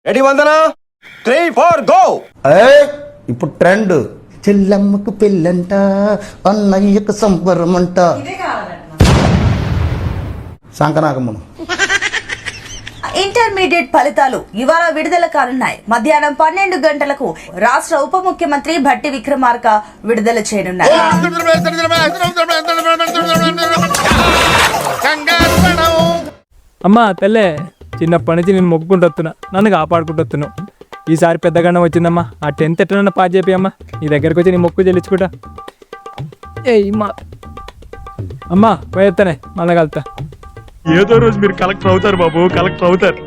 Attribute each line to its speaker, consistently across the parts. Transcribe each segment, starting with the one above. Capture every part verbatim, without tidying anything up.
Speaker 1: Ready Vandana three four go.
Speaker 2: ఇప్పుడు trend చెల్లమ్మకు పెళ్ళంట అన్నయ్యకు సంబరమంట శంకనాగమ్మను.
Speaker 3: ఇంటర్మీడియట్ ఫలితాలు ఇవాళ విడుదల కానున్నాయి. మధ్యాహ్నం పన్నెండు గంటలకు రాష్ట్ర ఉప ముఖ్యమంత్రి భట్టి విక్రమార్క విడుదల చేయనున్నారు.
Speaker 4: అమ్మా తెల్లే, చిన్నప్పటి నుంచి నేను మొక్కుకుంటున్నా, నన్ను కాపాడుకుంటున్నావు. ఈసారి పెద్దగానే వచ్చిందమ్మా, ఆ టెన్త్ ఎట్లన్నా పాస్ చేపి అమ్మా. నీ దగ్గరకు వచ్చి నీ మొక్కు చెల్లించుకుంటా. ఏ మా అమ్మా పోయేస్తానే, మళ్ళా కలుతా. ఏదో రోజు మీరు కలెక్టర్ అవుతారు బాబు, కలెక్టర్ అవుతారు.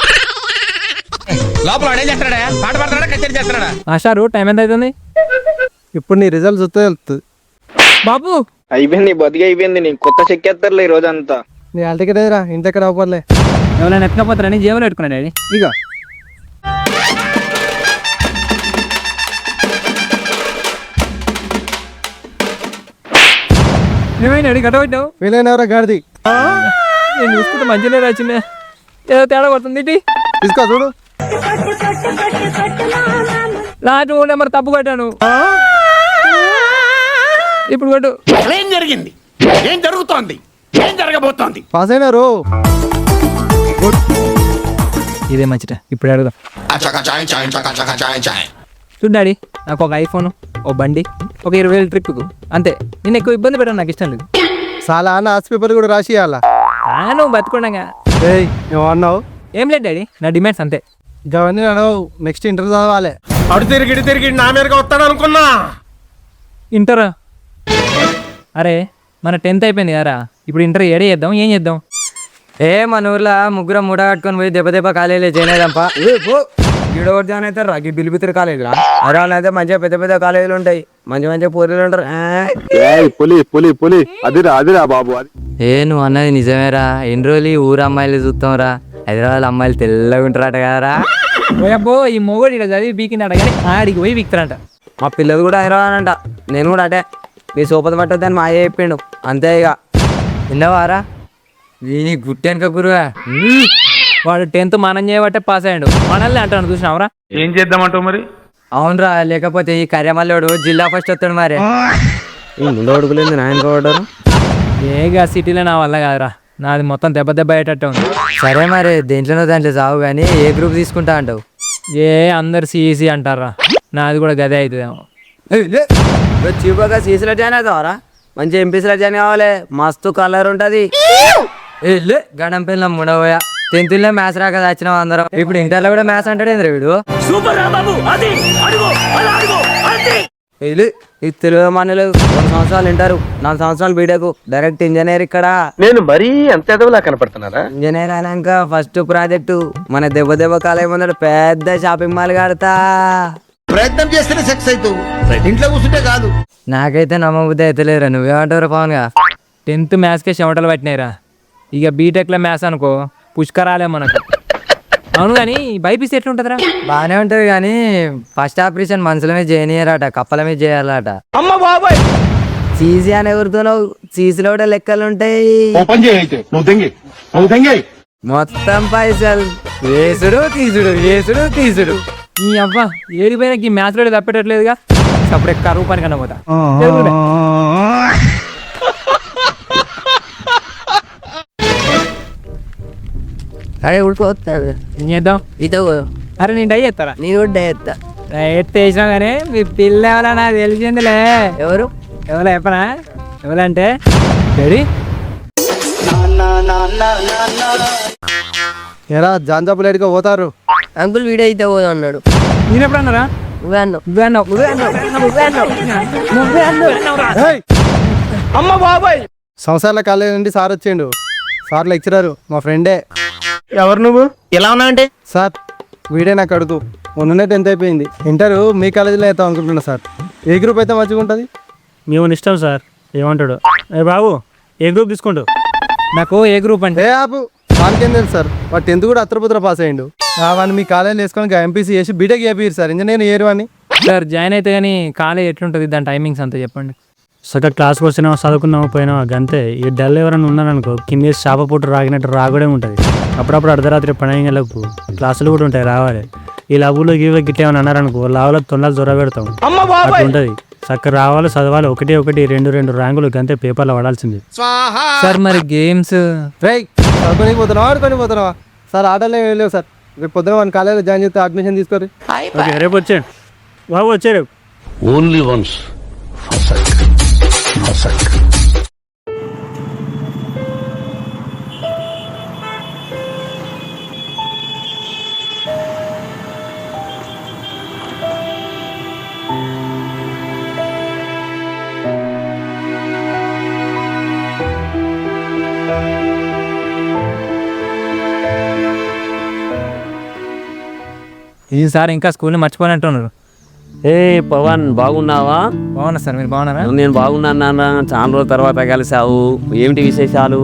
Speaker 4: ఆశారు టైం ఎంత అవుతుంది?
Speaker 5: ఇప్పుడు నీ రిజల్ట్స్ వస్తే వెళ్తుంది
Speaker 4: బాబు.
Speaker 6: అయిపోయింది, బతికి అయిపోయింది. నీ కొత్త చెక్కేస్తారులే ఈ రోజు అంతా.
Speaker 5: నీ ఆల్ టికెట్ ఏదిరా, ఇంటి దగ్గర అవ్వలే.
Speaker 4: ఎవరైనా ఎత్తుకపోతారని జేబులో పెట్టుకున్నా డాడీ.
Speaker 5: ఇక
Speaker 4: ఏమైనా గట్ట పెట్టావు?
Speaker 5: వీలైనవరా గాడిది
Speaker 4: నేను చూసుకుంటే మంచిగా రాచిందే, ఏదో తేడా పడుతుంది. ఇటీ
Speaker 5: తీసుకో చూడు.
Speaker 4: లాస్ట్ ఓ నెంబర్ తప్పు కట్టాను. ఇప్పుడు కొట్టు.
Speaker 1: ఏం జరిగింది? ఏం జరుగుతోంది? ఏం జరగబోతోంది?
Speaker 5: పాస్ అయినారు.
Speaker 4: ఇదే మంచిట. ఇప్పుడు అడుగుదాం. చూడు డాడీ, నాకు ఒక ఐఫోన్, ఓ బండి, ఒక ఇరవై వేలు ట్రిప్కు అంతే. నేను ఎక్కువ ఇబ్బంది పెట్టాను, నాకు ఇష్టం లేదు.
Speaker 5: చాలా అన్న ఆస్ పేపర్ కూడా రాసి ఇవ్వాలా.
Speaker 4: నువ్వు బతుకుండగా
Speaker 5: ఏయ్ నువ్వు అన్నావు.
Speaker 4: ఏం లేదు డాడీ, నా డిమాండ్స్ అంతే.
Speaker 5: ఇవన్నీ అడవు. నెక్స్ట్ ఇంటర్ చదవాలి.
Speaker 1: అడు తిరిగి ఇటు తిరిగి నా మీదగా వస్తాడు అనుకున్నా.
Speaker 4: ఇంటర్ అరే మన టెన్త్ అయిపోయింది కదరా, ఇప్పుడు ఇంటర్ ఏడే చేద్దాం, ఏం చేద్దాం?
Speaker 7: ఏ మన ఊర్లో ముగ్గురం మూడ కట్టుకొని పోయి దెబ్బ దెబ్బ కాలేజీలో జాయిన్ అయిదాంపా. గిడోడు జాయిన్ అవుతారు రా, బిల్లిపిత్ర కాలేజీలా. అరే వాళ్ళు అయితే మంచిగా పెద్ద పెద్ద కాలేజీలు ఉంటాయి, మంచి మంచిగా పోరీలు ఉంటారు.
Speaker 6: పులి పులి పులి అదిరా అదిరా బాబు. అది
Speaker 7: ఏ నువ్వు అన్నది నిజమేరా. ఎన్ని రోజులు ఈ ఊరు అమ్మాయిలు చూస్తాం రా. హైదరాబాద్ అమ్మాయిలు తెల్లగా ఉంటారట కదరా.
Speaker 4: పోయబ్బో, ఈ మొగోడు ఇక్కడ చదివి బీకినాడ కానీ ఆడికి పోయి బీక్తారంట.
Speaker 7: మా పిల్లలు కూడా హైదరాబాద్ అంట. నేను కూడా అటే మీ సోపత పట్టొద్దని మా అయ్య చెప్పిండు అంతే. ఇక విన్నావారా వీని గుట్టెనక గురువా.
Speaker 4: వాడు టెన్త్ మనం చేయబట్టే పాస్ అయ్యాడు, మనల్ని అంటాను చూసినావరా.
Speaker 1: ఏం చేద్దామంటావు మరి?
Speaker 7: అవునరా, లేకపోతే ఈ కర్యమల్లోడు జిల్లా ఫస్ట్ వస్తాడు మరి. ఈ ముందు అడుగులేదు నాయన కోవడారు.
Speaker 4: ఏగా సిటీలో నా వల్ల కాదురా, నాది మొత్తం దెబ్బ దెబ్బ అయ్యేటట్టు ఉంది.
Speaker 7: సరే మరి దేంట్లోనో దాంట్లో చావు కానీ ఏ గ్రూప్ తీసుకుంటా అంటావు?
Speaker 4: ఏ అందరు సిఈసి అంటారా, నాది కూడా గదే అవుతుందేమో.
Speaker 7: చీపగా సీసీలో జాయిన్ అవుతావరా? మంచి ఎంపీసీలో జాయిన్ కావాలి, మస్తు కలర్ ఉంటుంది. గడం పిల్ల ముడవయ టెన్త్లో మ్యాథ్స్ రాక వచ్చినావు అందరం. ఇప్పుడు ఇంటర్లో కూడా మ్యాథ్స్ అంటాడు ఏంద్ర వీడు. ఇది తెలుగు మనలు రెండు సంవత్సరాలు వింటారు, నాలుగు సంవత్సరాలు బీటెక్ డైరెక్ట్ ఇంజనీర్. ఇక్కడ
Speaker 6: నేను మరీ అంత ఎదవలా కనపడుతున్నారా?
Speaker 7: ఇంజనీర్ అయినాక ఫస్ట్ ప్రాజెక్టు మన దెబ్బ దెబ్బ కాలేజ్ ముందర పెద్ద షాపింగ్ మాల్ కడతా.
Speaker 2: ప్రయత్నం చేస్తేనే సెక్స్ అవుతావు, ఇంట్లో కూర్చుంటే కాదు.
Speaker 7: నాకైతే నమ్మబుద్ధి అయితే లేదురా. నువ్వేమంటారు పవన్ గా?
Speaker 4: టెన్త్ మ్యాథ్స్కే చెమటలు పట్టినాయిరా, ఇక బీటెక్లో మ్యాథ్స్ అనుకో పుష్కరాలే మనకు. అవును కానీ బైపీసీ ఎట్లుంటుందిరా?
Speaker 7: బాగానే ఉంటది కానీ ఫస్ట్ ఆపరేషన్ మనుషుల మీద చేయనియరట, కప్పల మీద చేయాలట.
Speaker 1: అమ్మ బాబాయ్,
Speaker 7: సీసీ అని ఎవరుతున్నావు? సీసీలో కూడా లెక్కలు ఉంటాయి. మొత్తం పైసలు వేసుడు తీసుడు, వేసుడు తీసుడు.
Speaker 4: ఈ అవ్వ ఏడిపోయినా ఈ మ్యాథ్స్ లో తప్పేటట్లేదుగా. అప్పుడు కరువు పని కన్నా పోతా.
Speaker 7: అరే ఉడిపోతాడు.
Speaker 4: ఏం చేద్దాం?
Speaker 7: ఇదో
Speaker 4: అరే నేను డై చేస్తారా?
Speaker 7: నేను కూడా డేస్తా.
Speaker 4: డైట్ వేసినా కానీ మీ పిల్ల ఎవరా నాకు తెలిసిందిలే.
Speaker 7: ఎవరు
Speaker 4: ఎవరో చెప్పనా? ఎవరంటే డాడీ.
Speaker 5: ఎరా జాంజాపులు ఎడిగా పోతారు.
Speaker 7: అంకుల్ వీడియో అయితే పోదా అన్నాడు.
Speaker 4: నేను ఎప్పుడు అన్నారా?
Speaker 7: నువ్వే అన్నావు.
Speaker 4: నువ్వే అన్నావు, నువ్వే అన్నావు, నువ్వే అన్నావు, నువ్వే అన్నావు.
Speaker 1: అమ్మ బాబాయ్.
Speaker 5: సంవత్సరాల కాలేజ్ నుండి సార్ వచ్చిండు. సార్ లెక్చరర్ మా ఫ్రెండే.
Speaker 1: ఎవరు నువ్వు? ఎలా ఉన్నావంటే?
Speaker 5: సార్ వీడే నాకు అడుగు. మొన్ననే టెన్త్ అయిపోయింది, ఇంటర్ మీ కాలేజీలో అవుతాం అనుకుంటున్నా సార్. ఏ గ్రూప్ అయితే మంచిగా ఉంటుంది?
Speaker 8: మేము ఇష్టం సార్, ఏమంటాడు? ఏ బాబు ఏ గ్రూప్ తీసుకుంటావు?
Speaker 4: నాకు ఏ గ్రూప్ అంటే
Speaker 5: ఏ ఆపు, వానికేం తెలుసు సార్. వాడు టెన్త్ కూడా అత్రపుత్ర పాస్ అయ్యిండు. వాడిని మీ కాలేజీలో వేసుకొని ఎంపీసీ చేసి బీటెక్ చేపిరు సార్, ఇంజనీర్ ఏరు అని.
Speaker 4: సార్ జాయిన్ అయితే కానీ కాలేజ్ ఎట్లుంటుంది, దాని టైమింగ్స్ అంతా చెప్పండి.
Speaker 8: సగం క్లాస్కి వచ్చినావు, చదువుకున్నావు, పోయినావు, గంతే. ఈ డల్ ఎవరైనా ఉన్నారనుకో కింద చేప పుట్టు రాగినట్టు రాగడే ఉంటుంది. అప్పుడప్పుడు అర్ధరాత్రి పన్నెండు గంటలకు క్లాసులు కూడా ఉంటాయి రావాలి. ఈ లవ్వులో గీవులో గిట్ట ఏమైనా అన్నారనుకో లావులో తొందరలు జ్వర పెడతాం అట్లా ఉంటుంది. చక్కగా రావాలి చదవాలి, ఒకటి ఒకటి రెండు రెండు ర్యాంకులు గంతే పేపర్లో పడాల్సింది.
Speaker 4: సార్ మరి గేమ్స్
Speaker 5: రైట్ చదువుకొని పోతున్నావా ఆడుకొని పోతున్నావా? సార్ ఆటలు ఏం లేవు సార్. రేపు పొద్దున మన కాలేజీలో జాయిన్ చేస్తే అడ్మిషన్ తీసుకోరు.
Speaker 8: ఓకే రేపు వచ్చాడు బాబు, వచ్చే రేపు.
Speaker 1: ఓన్లీ వన్స్
Speaker 4: ఈసారి ఇంకా స్కూల్ని మర్చిపోయినట్టున్నారు.
Speaker 9: ఏ పవన్ బాగున్నావా?
Speaker 4: బాగున్నా సార్, మీరు బాగున్నారా?
Speaker 9: నేను బాగున్నాను నాన్న, చాలా రోజుల తర్వాత కలిసావు. ఏమిటి విశేషాలు?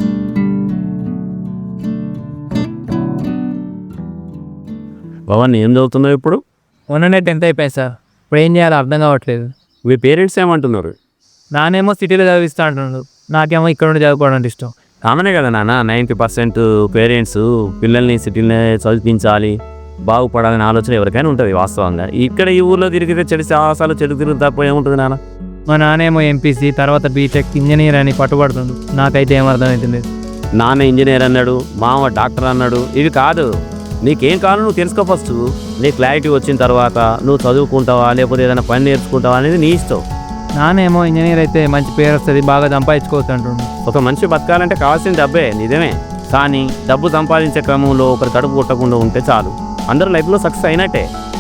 Speaker 9: పవన్ ఏం చదువుతున్నావు ఇప్పుడు?
Speaker 4: మొన్ననే టెన్త్ అయిపోయాయి సార్, ఇప్పుడు ఏం చేయాలో అర్థం కావట్లేదు.
Speaker 9: మీ పేరెంట్స్ ఏమంటున్నారు?
Speaker 4: నానేమో సిటీలో చదివిస్తా అంటున్నాడు, నాకేమో ఇక్కడ ఉండి చదువుకోవడం అంటే ఇష్టం.
Speaker 9: కామనే కదా నాన్న, నైంటీ పర్సెంట్ పేరెంట్స్ పిల్లల్ని సిటీలో చదివించాలి, బాగుపడాలని ఆలోచన ఎవరికైనా ఉంటుంది వాస్తవంగా. ఇక్కడ ఈ ఊర్లో తిరిగితే చెడు సాహసాలు చెడు తిరుగు తప్ప ఏముంటుంది నాన్న?
Speaker 4: మా నానేమో ఎంపీసీ తర్వాత బీటెక్ ఇంజనీర్ అని పట్టుబడుతుండు, నాకైతే ఏం అర్థమవుతుంది.
Speaker 9: నాన్న ఇంజనీర్ అన్నాడు, మామ డాక్టర్ అన్నాడు. ఇవి కాదు, నీకేం కావాలో నువ్వు తెలుసుకో ఫస్ట్. నీ క్లారిటీ వచ్చిన తర్వాత నువ్వు చదువుకుంటావా లేకపోతే ఏదైనా పని నేర్చుకుంటావా అనేది నీ ఇష్టం.
Speaker 4: నానేమో ఇంజనీర్ అయితే మంచి పేరు వస్తుంది, బాగా సంపాదించుకోవచ్చు అంటుండు.
Speaker 9: ఒక మనిషి బతకాలంటే కావాల్సిన డబ్బే, నిజమే. కానీ డబ్బు సంపాదించే క్రమంలో ఒకరి కడుపు కొట్టకుండా ఉంటే చాలు, అందరూ లైఫ్లో సక్సెస్ అయినట్టే.